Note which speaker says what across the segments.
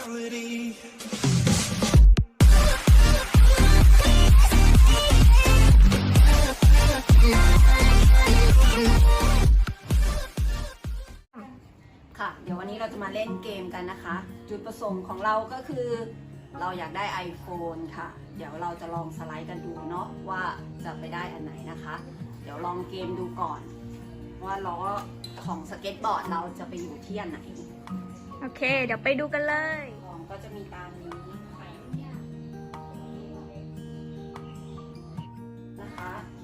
Speaker 1: reality.
Speaker 2: ค่ะเดี๋ยววันนี้เราจะมาเล่นเกมกันนะคะ จุดประสงค์ของเราก็คือเราอยากได้ iPhone ค่ะ เดี๋ยวเราจะลองสไลด์กันดูเนาะว่าจะไปได้อันไหนนะคะ เดี๋ยวลองเกมดูก่อน ว่าล้อของสเก็ตบอร์ดเราจะไปอยู่ที่อันไหน
Speaker 3: โอเค เดี๋ยวไปดูกันเลย
Speaker 2: ของก็จะมีตามนี้นะคะ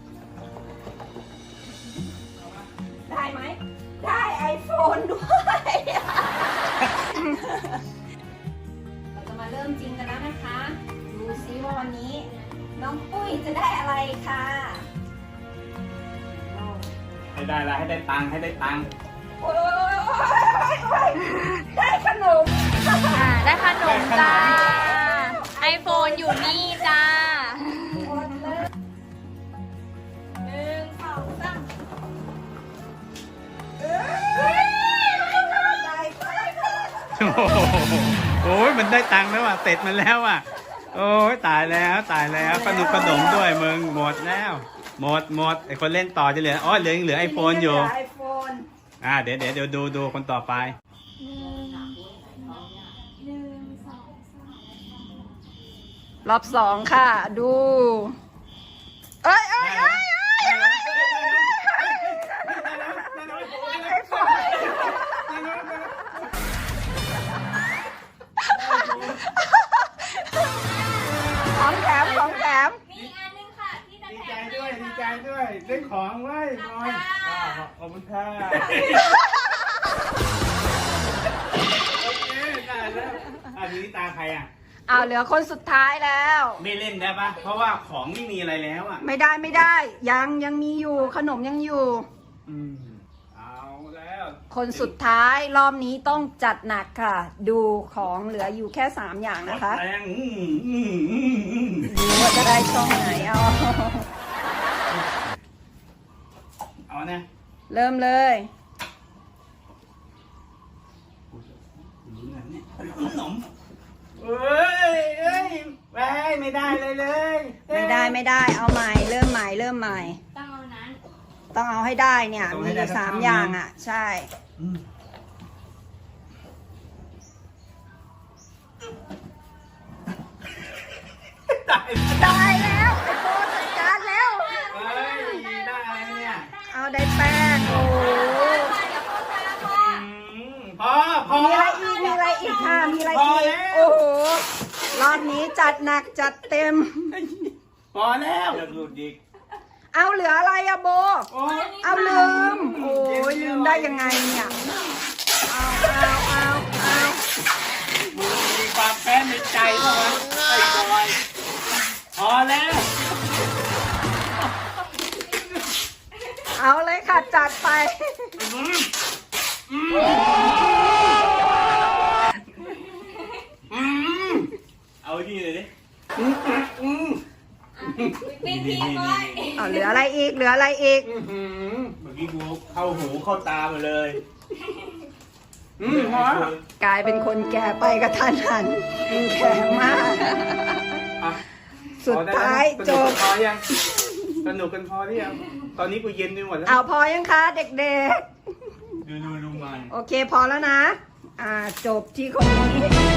Speaker 2: ได้ไหม ได้ iPhone ด้วยเราจะมาเริ่มจริงกันแล้วนะคะ ดูซิว่าวันนี้ น้องปุ้ยจะได้อะไรค่ะ
Speaker 4: ให้ได้ละให้ได้ตังค์ให้ได้ตังค์
Speaker 2: โอ้ยได้ขนม
Speaker 3: ได้ขนมจ้า iPhone อยู่นี่จ้า
Speaker 2: หมดเลยหนึ่งสองสามได้ไป
Speaker 4: โอ้ยมันได้ตังค์แล้วอ่ะเสร็จมันแล้วอ่ะโอ้ยตายแล้วตายแล้วขนมด้วยมึงหมดแล้วหมดไอคนเล่นต่อจะเหลืออ๋อเหลือไอโฟนอยู่
Speaker 2: ไอโฟน
Speaker 4: เดี๋ยวดูคนต่อไป
Speaker 2: รอบสองค่ะ ดูเอ้ยของแถมของแถม
Speaker 3: มีอีกอันนึงค่ะที่จะ
Speaker 4: ดี
Speaker 3: แถ
Speaker 4: ใจ
Speaker 3: ม
Speaker 4: ด้วยดีใจด้วยได้ของไว้บอยขอบคุณค่ะโอเคได้แล้วทีนี้ตาใครอ่ะ
Speaker 2: เอาเหลือคนสุดท้ายแล้ว
Speaker 4: ไม่เล่นได้ปะเพราะว่าของไม่มีอะไรแล้วอ่ะ
Speaker 2: ไม่ได้ ยังมีอยู่ขนมยังอยู่
Speaker 4: เอาแล้ว
Speaker 2: คนสุดท้ายรอบนี้ต้องจัดหนักค่ะ ดูของเหลืออยู่แค่3อย่างนะคะ
Speaker 4: แรง
Speaker 2: ดูว่าจะได้ช่องไหน
Speaker 4: เอานะ
Speaker 2: เริ่มเลย
Speaker 4: ขนมเอ้ยไม่ได้เลย
Speaker 2: ไม่ได้เอาใหม่เริ่มใหม่
Speaker 3: ต้องเอานั้น
Speaker 2: ต้องเอาให้ได้เนี่ยมีอยู่3อย่างอ่ะ ใช่ ได้แล้วไอโฟนจัดการแล้ว
Speaker 4: เฮ้ยได้อะไรเนี่ย
Speaker 2: เอาได้แป้งโอ้
Speaker 4: พอ
Speaker 2: มีอะไรอีกค่ะมีอะไรอีกโอ้โหรอบนี้จัดหนักจัดเต็ม
Speaker 4: พอแล้วอย่าหลุดอีก
Speaker 2: เอาเหลืออะไรอะโบ เอาลืม โอ้ยลืมได้ยังไงเนี่ย เอา
Speaker 4: มึงมีความแค้นในใจเหรอไอ้บอยพอแล้ว
Speaker 2: เอาเลยค่ะจัดไป
Speaker 4: เอาที่เลยดิ
Speaker 3: เป็นทีมเลย
Speaker 2: เอาเหลืออะไรอีก
Speaker 4: เมื่อกี้กูเข้าหูเข้าตาหมดเลยพอก
Speaker 2: ลายเป็นคนแก่ไปกระทันหันแก่มาก สุดท้ายจบ
Speaker 4: พอยังสนุกกันพอหรือยังตอนนี้กูเย็นไปหมดแล้ว
Speaker 2: เอาพอยังคะเด็ก
Speaker 4: ดูมัน
Speaker 2: ๆ โอเคพอแล้วนะ จบที่คนนี้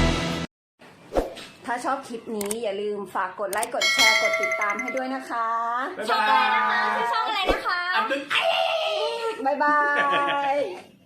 Speaker 2: ถ้าชอบคลิปนี้อย่าลืมฝากกดไลค์ กดแชร์ กดติดตามให้ด้วยนะคะ
Speaker 4: บ๊าย
Speaker 3: ช่อง
Speaker 4: บา
Speaker 3: อะไรนะคะ
Speaker 4: ย
Speaker 3: ชื่อช่องอะไรนะคะ
Speaker 4: อับดุล
Speaker 2: บ๊ายบาย